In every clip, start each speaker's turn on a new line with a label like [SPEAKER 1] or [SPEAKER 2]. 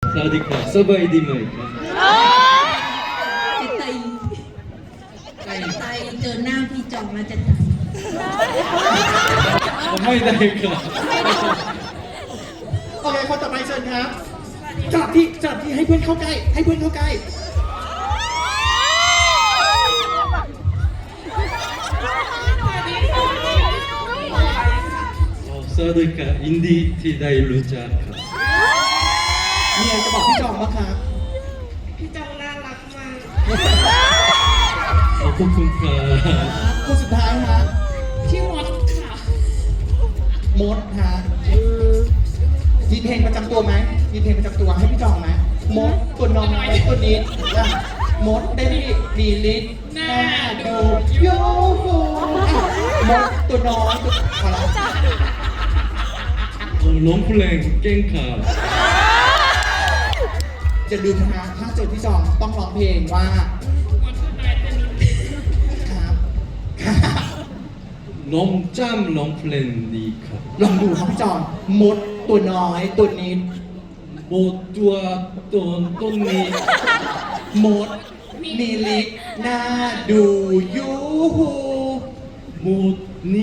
[SPEAKER 1] สวัสดีครับสบายดีไหมครับ
[SPEAKER 2] ใจเจอหน้าพี่จองแล้วจะตาย
[SPEAKER 1] ไม่ได้ครับ
[SPEAKER 3] โอเคคนต่อไปเชิญครับสลับที่ให้เพื่อนเข้าใกล้ให้เพื่อนเข้าใกล้
[SPEAKER 1] สวัสดีครับอินดี้ที่ได้รู้จักครับ
[SPEAKER 3] มีอะไรจะบอกพี่จองบ้างครับ
[SPEAKER 2] พี่จองน่ารักมาก
[SPEAKER 1] ขอบคุณครับ
[SPEAKER 3] คนสุดท้ายฮะ
[SPEAKER 2] พี่มดค่ะ
[SPEAKER 3] มดฮะมีเพลงประจำตัวไหมมีเพลงประจำตัวให้พี่จองไหมมดตัวน้อยตัวนิดนะมดได้มีลิตหน้าดูโยโหมดตัวน้อยตัวอะไร
[SPEAKER 1] ผมร้องเพลงเก่งครับ
[SPEAKER 3] จะลืมนะฮะถ้าเจอพี่จองต้องร้องเพลงว่าครับครับ
[SPEAKER 1] น้องจำร้องเพลงดีครับ
[SPEAKER 3] ลองดูครับพี่จองมดตัวน้อยตัวนิด
[SPEAKER 1] โบตัวต้นนี้
[SPEAKER 3] มดมีลิกหน้าดูยูหู
[SPEAKER 1] มูดนี่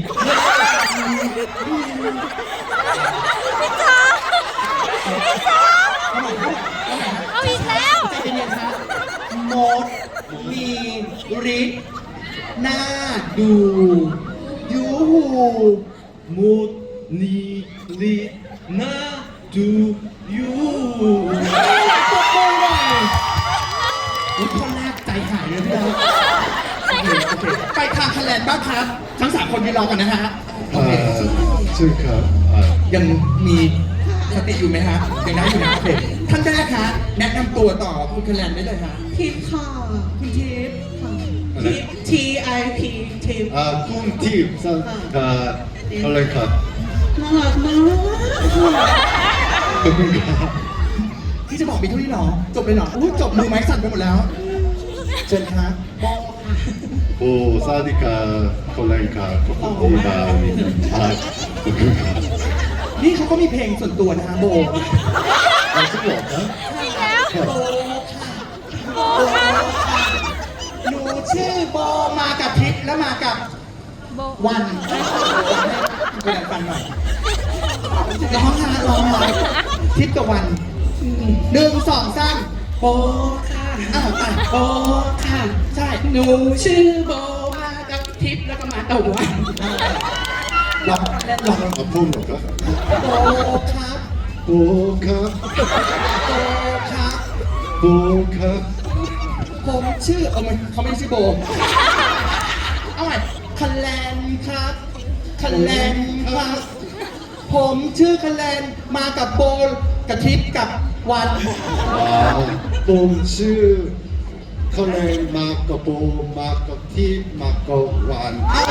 [SPEAKER 4] เอาอีกแล้ว
[SPEAKER 3] ใจเย็นๆครับมดมีลิกหน้าดูยูหู
[SPEAKER 1] มูดนี่ลีน่าดูยู
[SPEAKER 3] ตบมือหน่อยอุ๊ยคนแรกใจหายเลยพี่น้องโอเคไปทางคะแนนบ้างครับ ทั้งสามคนยืนรอกันนะฮะโอเค
[SPEAKER 5] ชื่อครับ
[SPEAKER 3] ยังมีสติอยู่ไหมฮะยังได้อยู่นะโอเคท่านแรกฮะแนะนำตัวต่อคุณคะแนนได้เลยฮะ
[SPEAKER 2] ทิพย์ค่ะ
[SPEAKER 3] คุณทิพย์
[SPEAKER 2] ทิพย์ TIP ทิพย์
[SPEAKER 5] คุณทีมสังกัดอะไรครับ
[SPEAKER 2] น่ารักมาก
[SPEAKER 5] ขอบคุณครับ
[SPEAKER 3] ที่จะบอกมีเท่านี้เหรอ จบเลยเหรออุ้ยจบมือไม้สั่นไปหมดแล้ว เชิญครับโบ
[SPEAKER 5] โอ้สวัสดีครับคนแรงครับขอบคุณที่มามีขอบคุณครับ
[SPEAKER 3] นี่เขาก็มีเพลงส่วนตัวนะฮะโบ
[SPEAKER 5] จริงเหรอครับ
[SPEAKER 4] อีกแล้ว
[SPEAKER 3] โบ
[SPEAKER 4] โอ้ค่ะ
[SPEAKER 3] หนูชื่อโบมากับทิพย์แล้วมากับ
[SPEAKER 4] โบ
[SPEAKER 3] วันให้คุณฟังหน่อยร้องฮะร้องหน่อยทิพย์กับวันหนึ่งสองสามโบค่ะโบค่ะใช่หนูชื่อโบมากับทิพย์แล้วก็มากับวันร้องเล่นร้อง
[SPEAKER 5] ขอบคุณครับ
[SPEAKER 3] โบครับ
[SPEAKER 5] โอ้ครับ
[SPEAKER 3] โบครับ
[SPEAKER 5] โอ้ครับ
[SPEAKER 3] ผมชื่อมันเขาไม่ได้ชื่อโบเอาใหม่คันแลนครับคันแลนครับ ผมชื่อคันแลนมากับโบกับทิพย์กับวัน
[SPEAKER 5] ว้าวผมชื่อคนแรงมากับโบมากับทีมมากับวัน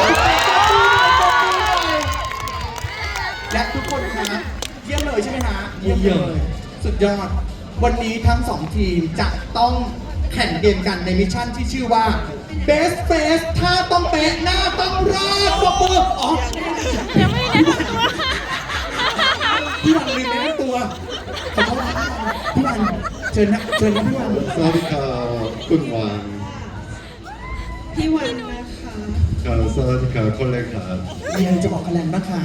[SPEAKER 3] และทุกคนครับเยี่ยมเลยใช่ไหมฮะเยี่ยมเลยสุดยอด วันนี้ทั้งสองทีมจะต้องแข่งเกมกันในมิชชั่นที่ชื่อว่า Best Face ถ้าต้องเป๊ะหน้าต้องราดปรบมืออ๋อ
[SPEAKER 4] ยังไม่ได้แนะนำตัว
[SPEAKER 3] พี่วันลืมแนะนำตัวขอโทษนะพี่วันเชิญนะพี่วัน
[SPEAKER 5] สวัสดีครับคุณวัน
[SPEAKER 2] พี่วันนะคะ
[SPEAKER 5] สวัสดีครับคนแรงครับ
[SPEAKER 3] มีอะไรจะบอกคะแนนบ้างคะ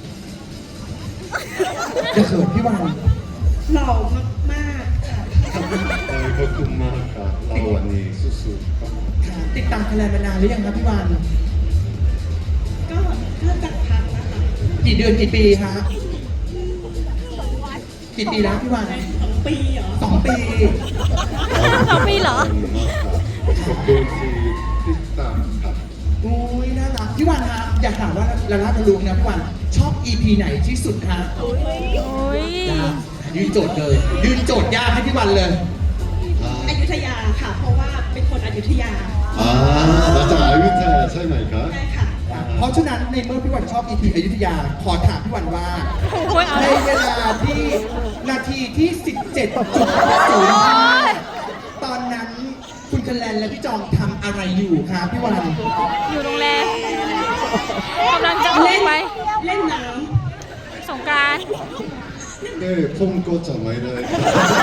[SPEAKER 3] จะเขินพี่วัน
[SPEAKER 2] หล่อมากๆค่ะ
[SPEAKER 5] ขอบคุณมากครับเราวันนี้สู้ๆครับ
[SPEAKER 3] ค่ะติดตามคะแนนมานานหรือยังครับพี่วัน
[SPEAKER 2] ก็ถ้าจัดพักนะคะ
[SPEAKER 3] กี่เดือนกี่ปีฮะกี่ปีแล้วพี่วัน
[SPEAKER 2] 2 ปีเหรอ
[SPEAKER 3] 2 ปี
[SPEAKER 4] 2 ปีเหรอ
[SPEAKER 5] ขอบคุณที่ติดตามครับ
[SPEAKER 3] อุ้ยน่ารักพี่วันฮะอยากถามว่าละลาทะลุนะพี่วันชอบ EP ไหนที่สุดฮะ
[SPEAKER 4] โอ้ย
[SPEAKER 3] ยากยืนโจทย์เลยยืนโจทย์ยากให้พี่วันเลย
[SPEAKER 2] อยุธยาค่ะ เพราะว่าเป็นคนอยุธยา
[SPEAKER 5] มาจากอยุธยาใช่ไหมครับ
[SPEAKER 2] ใช่ค่ะ
[SPEAKER 3] เพราะฉะนั้นในเมื่อพี่วันชอบ EP อยุธยาขอถามพี่วันว่า
[SPEAKER 4] โอ้ยเอา
[SPEAKER 3] ในเวลาที่นาทีที่ 17.05 ตอนนั้นคุณคะแนนและพี่จองทำอะไรอยู่ครับพี่วัน
[SPEAKER 4] อยู่โรงแรมกำลังจะออกไป
[SPEAKER 2] เล่นน้
[SPEAKER 4] สงกรานต์
[SPEAKER 5] 네, 폼 꽂자, 막 이래.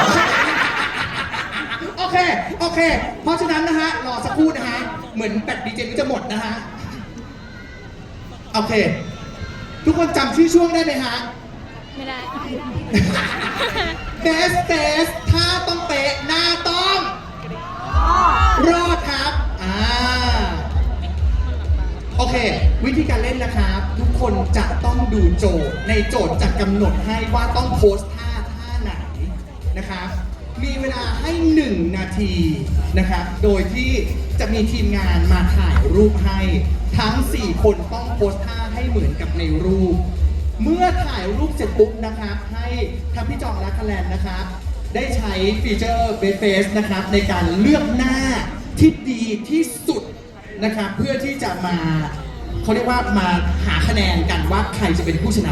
[SPEAKER 3] โอเค เพราะฉะนั้นนะฮะ รอสักครู่นะฮะ เหมือนแบตดีเจนี้จะหมดนะฮะ โอเค ทุกคนจำชื่อช่วงได้ไหมฮะ
[SPEAKER 4] ไม่ได้
[SPEAKER 3] เบสเบสถ้าต้องเป๊ะหน้าต้อง รอดครับ โอเค วิธีการเล่นนะครับ ทุกคนจะต้องดูโจทย์ ในโจทย์จะกำหนดให้ว่าต้องโพสท่าไหนนะครับ มีเวลาให้ 1 นาทีนะครับ โดยที่จะมีทีมงานมาถ่ายรูปให้ ทั้ง 4 คนต้องโพสท่าให้เหมือนกับในรูป เมื่อถ่ายรูปเสร็จปุ๊บนะครับ ให้ทั้งพี่จองและคะแนนนะครับ ได้ใช้ฟีเจอร์เบสเฟสนะครับในการเลือกหน้าที่ดีที่สุดนะครับ เพื่อที่จะมาเขาเรียกว่ามาหาคะแนนกันว่าใครจะเป็นผู้ชนะ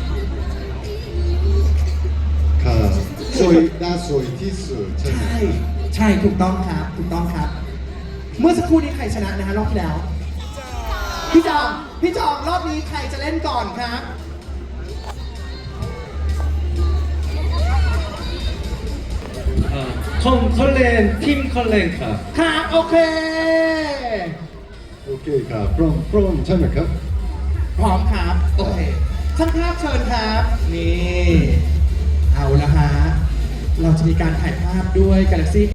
[SPEAKER 5] ค่ะสวยน่าสวยที่สุดใช่ไหม
[SPEAKER 3] ใช่ถูกต้องครับถูกต้องครับ เมื่อสักครู่นี้ใครชนะนะฮะรอบที่แล้ว พี่จองรอบนี้ใครจะเล่นก่อนครับ
[SPEAKER 1] 컬렌ครับ
[SPEAKER 3] ครับโอเค
[SPEAKER 5] โอเคครับพร้อมใช่ไหมครับ
[SPEAKER 3] พร้อมครับโอเคช่างภาพเชิญครับนี่เอาละฮะเราจะมีการถ่ายภาพด้วย Galaxy